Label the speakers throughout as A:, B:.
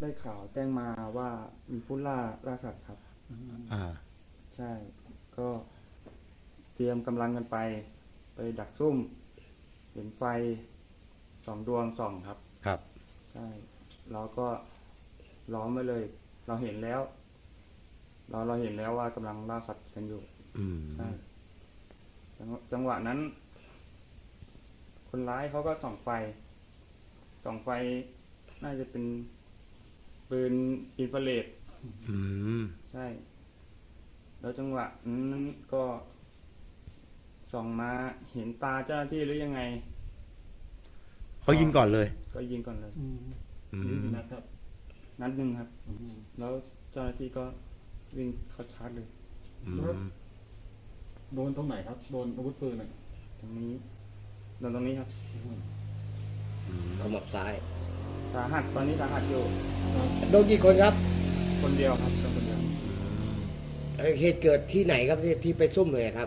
A: ได้ข่าวแจ้งมาว่ามีผู้ล่าสัตว์ครับ
B: อ่า
A: ใช่ก็เตรียมกำลังกันไปดักซุ่มเห็นไฟ2 ดวงส่องครับ
B: ครับ
A: ใช่เราก็ล้อมไว้เลย เราเห็นแล้วเราเห็นแล้วว่ากำลังล่าสัตว์กันอยู่ใช่จังหวะนั้น คนร้ายเขาก็ส่องไฟน่าจะเป็นปืนอินฟราเรดใช่ แล้วจังหวะนั้นก็ส่องมาเห็นตาเจ้าหน้าที่หรือยังไง
B: เขายิงก่อนเลย
A: ก็ยิงก่อนเลย
C: ยิงนะครับ
A: นัดหนึ่งครับแล้วเจ้าหน้าที่ก็วิ่งเข้าชาร์จเลย
C: โดนตรงไหนครับโดนอาวุธปืน
A: ตรงนี้โดนตรงนี้ครับ
D: ขมับซ้าย
A: สาหัสตอนนี้สาหัสอยู่
D: โดนกี่คนครับ
A: คนเดียวครับคนเดียว
D: เหตุเกิดที่ไหนครับที่ไปซุ่มเลยครับ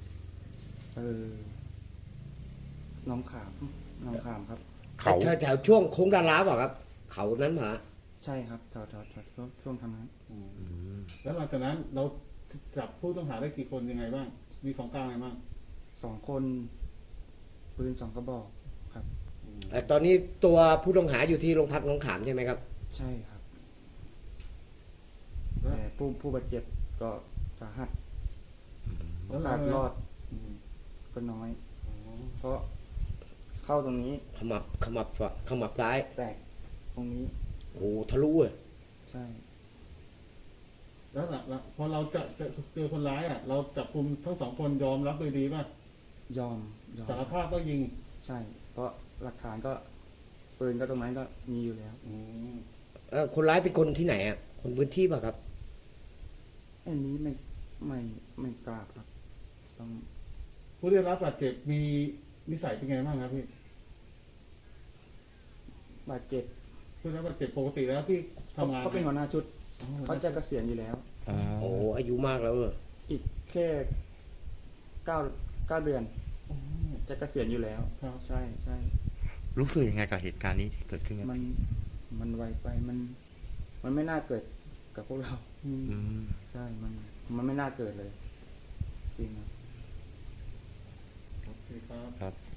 A: น้องขามครับ
D: เขาแถวช่วงโค้งดาราเปล่าครับเขานั้นหรอ
A: ใช่ครับแถวช่วงทางนั้น
C: แล้วหลังจากนั้นเราจับผู้ต้องหาได้กี่คนยังไงบ้างมีของกลางอะไรบ้าง
A: 2 คนปืน2 กระบอกครับ
D: ตอนนี้ตัวผู้ต้องหาอยู่ที่โรงพักหนองขามใช่ไหมครับ
A: ใช่ครับแต่ผู้บาดเจ็บก็สาหัสโอกาสรอดก็น้อยเพราะเข้าตรงนี้
D: ขมับซ้าย
A: แตกตรงนี้
D: โอ้ทะลุเลย
A: ใช่
C: แล้วพอเราจะเจอคนร้ายเราจับกุมทั้ง2 คนยอมรับโดยดีป่ะ
A: ยอม
C: สารภาพก็ยิง
A: ใช่เพราะหลักฐานก็ปืนก็ตรงนั้นก็มีอยู่แล้ว
D: คนร้ายเป็นคนที่ไหนคนพื้นที่ป่ะครับ
A: อันนี้ไม่ทราบครับต้อง
C: ผู้ได้รับบาดเจ็บมีนิสัยเป็นไงบ้างครับพี่
A: บาดเจ็บ
C: ผู้ได้รับบาดเจ็บปกติแล้วที่ทำงาน
A: เขาเป็นหัวหน้าชุดเขาจะเกษียณอยู่แล้ว
D: โอ้อายุมากแล้ว
A: อีกแค่9 เดือนจะเกษียณอยู่แล้วใช่
B: รู้สึกยังไงกับเหตุการณ์นี้ที่เกิดขึ้น
A: มันไวไปมันไม่น่าเกิดกับพวกเราใช่มันไม่น่าเกิดเลยจริง
C: ครับโอเคครับ